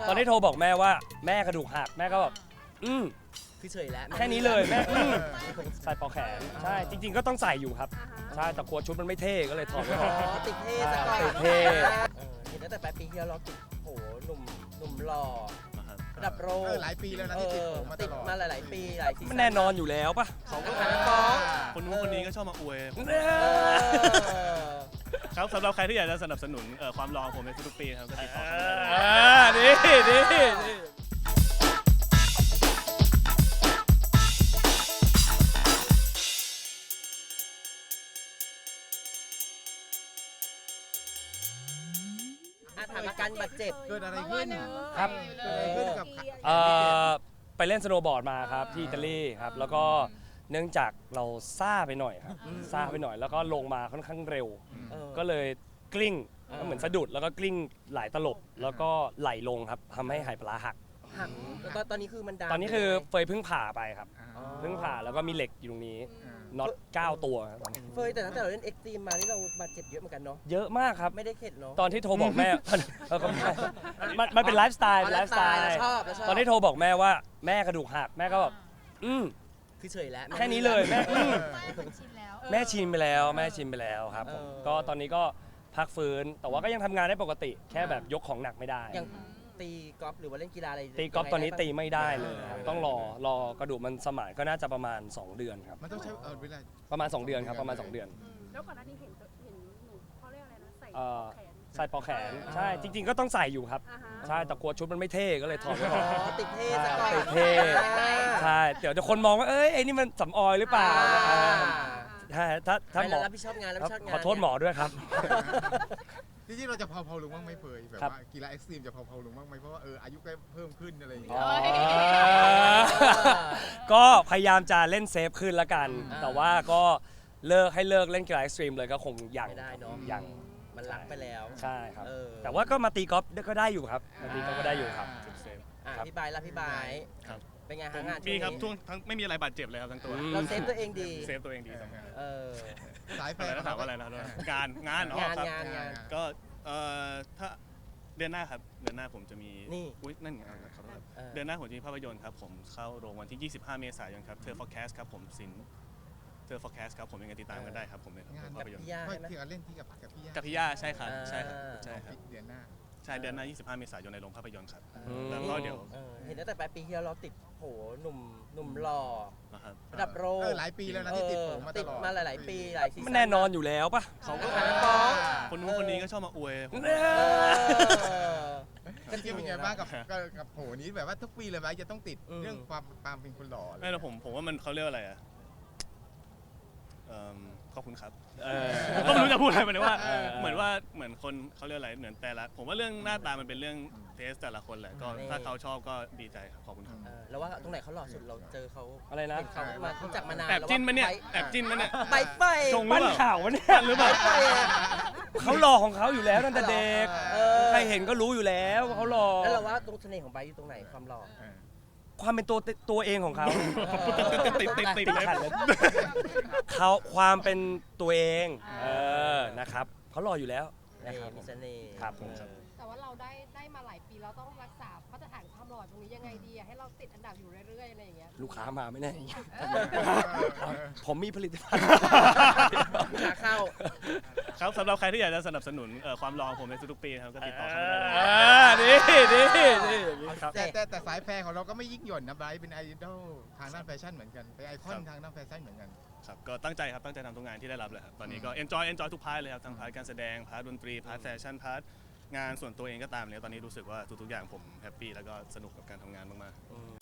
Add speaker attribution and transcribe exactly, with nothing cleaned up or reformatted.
Speaker 1: ตอนที่โทรบอกแม่ว่าแม่กระดูกหักแม่ก็แบบอืม
Speaker 2: คือเฉยแล้ว
Speaker 1: แค่นี้เลยแม่อืมใส่ปลอกแขนใช่จริงๆก็ต้องใส่อยู่ครับใช่แต่กลัวชุดมันไม่เท่ก็เลยถอดไว้ก่อน
Speaker 2: อ๋อติดเท่ซะก่อน
Speaker 1: ติดเท่
Speaker 2: เออเห็นตั้งแต่ปลายปีที่แล้วเราติดโอ้โหหนุ่มหนุ่มหล่อ
Speaker 3: นะครับ
Speaker 2: ระดับโลก
Speaker 4: เออหลายปีแล้วนะที่ติดผมมาต
Speaker 2: ติด
Speaker 4: ลอด
Speaker 2: มาหลาย ๆ ปีหลายซีซั่น
Speaker 1: มันแน่นอนอยู่แล้วปะ
Speaker 2: เขาก็หาฟ้อง
Speaker 3: คนนู้นคนนี้ก็ชอบมาอวยผม
Speaker 1: เอ
Speaker 2: เอ
Speaker 1: อ
Speaker 2: อ
Speaker 3: ครับสำหรับใครที่อยากจะสนับสนุนเอ่อความรอของผมในทุกๆปีครับก็ติดต่อเข้ามาได้
Speaker 1: อ่านี่นี่นี่
Speaker 2: อ่ะถามอาการบาดเจ็บ
Speaker 4: เกิดอะไรขึ้น
Speaker 1: ครับ
Speaker 4: เกิดอะไรขึ้นกับ
Speaker 1: เอ่อไปเล่นสโนว์บอร์ดมาครับที่อิตาลีครับแล้วก็เนื่องจากเราซ่าไปหน่อยครับซ่าไปหน่อยแล้วก็ลงมาค่อนข้างเร็ว
Speaker 2: เออ
Speaker 1: ก็เลยกลิ้ง
Speaker 2: อ่า
Speaker 1: ก็เหมือนสะดุดแล้วก็กลิ้งหลายตลบแล้วก็ไหลลงครับทำให้หายปลาร้าหัก
Speaker 2: หักตอนตอนนี้คือมันดาม
Speaker 1: ตอนนี้คือเฟยเพิ่งผ่าไปครับ
Speaker 2: อ๋อ
Speaker 1: เพิ่งผ่าแล้วก็มีเหล็กอยู่ตรงนี้น็อตเก้าตัวครับ
Speaker 2: เฟยแต่ตั้งแต่เราเล่นเอ็กซ์ตรีมมานี่เราบาดเจ็บเยอะเหมือนกันเนาะ
Speaker 1: เยอะมากครับ
Speaker 2: ไม่ได้เข็ดเนาะ
Speaker 1: ตอนที่โทรบอกแม่ เออก็ไม่ใช่มันมันเป็นไลฟ์สไตล์เป็นไลฟ์สไตล์
Speaker 2: เราชอบเราชอบ
Speaker 1: ตอนที่โทรบอกแม่ว่าแม่กระดูกหักแม่ก็แบบอืม
Speaker 2: คือเฉยแล้ว
Speaker 1: แค่นี้เลยแม่อืม
Speaker 5: ชินแล้ว
Speaker 1: แม่ชินไปแล้วแม่ชินไปแล้วครับผม
Speaker 2: เออ
Speaker 1: ก็ตอนนี้ก็พักฟื้นแต่ว่าก็ยังทำงานได้ปกติ แค่แบบยกของหนักไม่ได้
Speaker 2: อย่างตีกอล์ฟหรือว่าเล่นกีฬาอะไร
Speaker 1: ตีกอล์ฟตอนนี้ตี
Speaker 2: ยังง
Speaker 1: ไม่ได้เลยครับต้องรอรอกระดูกมันสมานก็น่าจะประมาณ สอง เดือนครับ
Speaker 4: มันต้องใช้เออเวลา
Speaker 1: ประมาณ สอง เดือนครับประมาณ สอง เดือน
Speaker 5: แล้วก่อนหน้านี้เห็นเห็นหนูเขาเรียกอะไรนะใส่
Speaker 1: เอ่อ
Speaker 5: แขน
Speaker 1: ใส่ปลอกแขนใช่จริง ๆ ก็ต้องใส่อยู่ครับ
Speaker 5: อ่าฮะ
Speaker 1: ใช่แต่กลัวชุดมันไม่เท่ก็เลยถอดไว้ก่อน
Speaker 2: อ๋อติดเท่ซะก่อน
Speaker 1: ติดเท่ใช่เดี๋ยวจะคนมองว่าเอ้ยไอ้นี่มันสำออยหรือเปล่า
Speaker 2: อ่า
Speaker 1: ใช่ถ้าถ้าหมอ
Speaker 2: ไม่รับผิดชอบงานรับผิดชอบงาน
Speaker 1: ขอโทษหมอด้วยครับ
Speaker 4: จริงๆเราจะเผาๆลงบ้างไหมเฟยแบบ
Speaker 1: ครับ
Speaker 4: ว่ากีฬาเอ็กซ์ตรีมจะเผาๆลงบ้างไหมเพราะว่าเอออายุก็เพิ่มขึ้นอะไรอย่าง
Speaker 1: อ๋
Speaker 4: เงี้
Speaker 1: อย ก็พยายามจะเล่นเซฟขึ้นละกัน
Speaker 2: อ่า
Speaker 1: แต่ว่าก็เลิกให้เลิกเล่นกีฬาเอ็กซ์ตรีมเลยก็คงยัง
Speaker 2: ไม่ได้เนอะ
Speaker 1: ยัง
Speaker 2: มันหลักไปแล้ว
Speaker 1: ใช่ครับ
Speaker 2: เออ
Speaker 1: แต่ว่าก็มาตีกอล์ฟก็ได้อยู่ครับมาตีกอล์ฟก็ได้อยู่ครับ
Speaker 3: เซฟ
Speaker 2: อ่ะ
Speaker 1: ครับ
Speaker 2: พี่บายละพี่บาย
Speaker 3: ครับ
Speaker 2: เป็นไง
Speaker 3: ผ
Speaker 2: ฮะ
Speaker 3: ม
Speaker 2: งาน
Speaker 3: มีครับ
Speaker 2: ช่
Speaker 3: ทุ
Speaker 2: ว
Speaker 3: ก
Speaker 2: งนี้
Speaker 3: ทั้งไม่มีอะไรบาดเจ็บเลยครับทั้งตัว
Speaker 1: อืม
Speaker 2: เราเซฟตัวเองดี
Speaker 3: เซฟตัวเองดีสำคัญ
Speaker 2: เออ
Speaker 4: สายแฟ
Speaker 3: อะไร
Speaker 4: น
Speaker 3: นะถามว่าอะไรนะงานงานอ๋อง
Speaker 2: าน
Speaker 3: ครับ
Speaker 2: งานงาน
Speaker 3: ก็เอ่อถ้าเดือนหน้าครับเดือนหน้าผมจะมี
Speaker 2: นี่
Speaker 3: อุ้ยนั่นไงขอโทษครับ
Speaker 2: เออ
Speaker 3: เดือนหน้าผมจะมีภาพยนตร์ครับผมเข้าโรงวันที่ ยี่สิบห้า เมษายนครับเธอ forecast ครับผมสินเธอ forecast ครับผมยังไงติดตามกันได้ครับผมใน
Speaker 4: งาน
Speaker 3: ภาพยนตร์
Speaker 2: พี่ย่า
Speaker 4: ไม่
Speaker 2: ใช่ไหม
Speaker 4: ที่เราเล่นที่กับกับพี่ย่า
Speaker 3: กับพี่ย่าใช่ครับใช่ครับ
Speaker 2: อ่า
Speaker 3: ใช่ครับ
Speaker 4: เดือนหน้า
Speaker 3: ใช่เดือนหน้า ยี่สิบห้า เมษายนในโรงภาพยนตร์ครับ
Speaker 1: อืม
Speaker 3: แล้วก็เดี๋ยว
Speaker 2: ออเห็นตั้งแต่ปลายปีที่แล้วเราติดโหหนุ่มหนุ่มหล่อ
Speaker 3: นะครับ
Speaker 2: ระดับโลก
Speaker 4: เออหลายปีแล้วนะที่ติดผมมาต
Speaker 2: ติด
Speaker 4: ลอด
Speaker 2: มาหลาย ๆ ปีหลายซีซั่น
Speaker 1: มันแน่นอนอยู่แล้วปะ
Speaker 3: เขาก็
Speaker 2: หาฟ้อง
Speaker 3: คนนู้นคนนี้ก็ชอบมาอวยผม
Speaker 1: เอ
Speaker 2: เอ
Speaker 1: อ
Speaker 2: อ
Speaker 4: จริงๆเป็นไงบ้างกับกับกับโหนี้แบบว่าทุกปีเลยไหมจะต้องติด
Speaker 2: อืม
Speaker 4: เรื่องความความเป็นคนหล่อเลย
Speaker 3: ไม่แล้วผมผมว่ามันเขาเรียกว่าอะไรอ่ะเอิ่มขอบคุณครับ
Speaker 1: เออ
Speaker 3: ผมก็ไม่รู้จะพูดอะไรเหมือนว่า
Speaker 1: เออ
Speaker 3: เหมือนว่าเหมือนคนเขาเรียกอะไรเหมือนแต่ละผมว่าเรื่องหน้าตามันเป็นเรื่องเทสแต่ละคนแหละก็
Speaker 2: นี่
Speaker 3: ถ้าเขาชอบก็ดีใจครับขอบคุณครับ
Speaker 2: เออแล้วว่าตรงไหนเขาหล่อสุดเราเจอเขา
Speaker 1: อะไรนะ
Speaker 2: เห็นเขามารู้จักมานาน
Speaker 3: แอบจิ้นมาเนี่ย
Speaker 2: แล้วว่า
Speaker 3: แอบจิ้นมาเนี่ย
Speaker 2: ใบไฟ
Speaker 3: จง
Speaker 1: ปั้นข่าววะเนี่ย
Speaker 3: หรือเปล่า
Speaker 2: ใบไฟอะ
Speaker 1: เขาหล่อของเขาอยู่แล้วตั้งแต่เด็ก
Speaker 2: เออ
Speaker 1: ใครเห็นก็รู้อยู่แล้วว่าเขาหล่อ
Speaker 2: แล้วเราว่าตรงเสน่ห์ของใบอยู่ตรงไหนความหล่อ
Speaker 4: เออ
Speaker 1: ความเป็นตัวตัวเองของเขา
Speaker 3: ติดติดติดติดเลย
Speaker 1: ขัดเลยเขาความเป็นตัวเองเออนะครับเขาหล่ออยู่แล้ว
Speaker 2: เอ
Speaker 1: นะค
Speaker 2: อ
Speaker 1: รับ
Speaker 2: มีเสน่ห์
Speaker 1: ครับผม
Speaker 2: เออ
Speaker 5: แต่ว่าเราได้ได้มาหลายปีเราต้องรักษามาตรฐานความหล่อตรงนี้ยังไงดีอะให้เราติดอันดับอยู่เรื่อยๆอะไรอย่างเงี้ย
Speaker 1: ลูกค้ามาไม่แน่ผมมีผลิตภัณฑ์
Speaker 2: ขาเข้า
Speaker 3: ครับสำหรับใครที่อยากจะสนับสนุนเอ่อความรอของผมในทุกๆปีนะครับก็ติดต่อเข้ามาได้เลย
Speaker 1: อ่านี่นี่นี่ครับ
Speaker 4: แต่แต่แต่สายแฟนของเราก็ไม่ยิ่งหย่อนนะไบรท์เป็นไอดอลทางด้านแฟชั่นเหมือนกันเป็นไอคอนทางด้านแฟชั่นเหมือนกัน
Speaker 3: ครับก็ตั้งใจครับตั้งใจทำทุกงานที่ได้รับเลยครับตอนนี้ก็ enjoy enjoy ทุกพาร์ทเลยครับทั้งพาร์ทการแสดงพาร์ทดนตรีพาร์ทแฟชั่นพาร์ทงานส่วนตัวเองก็ตามเลยตอนนี้รู้สึกว่าทุกๆอย่างผมแฮปปี้แล้วก็สนุกกับการทำงานมาก
Speaker 2: อืม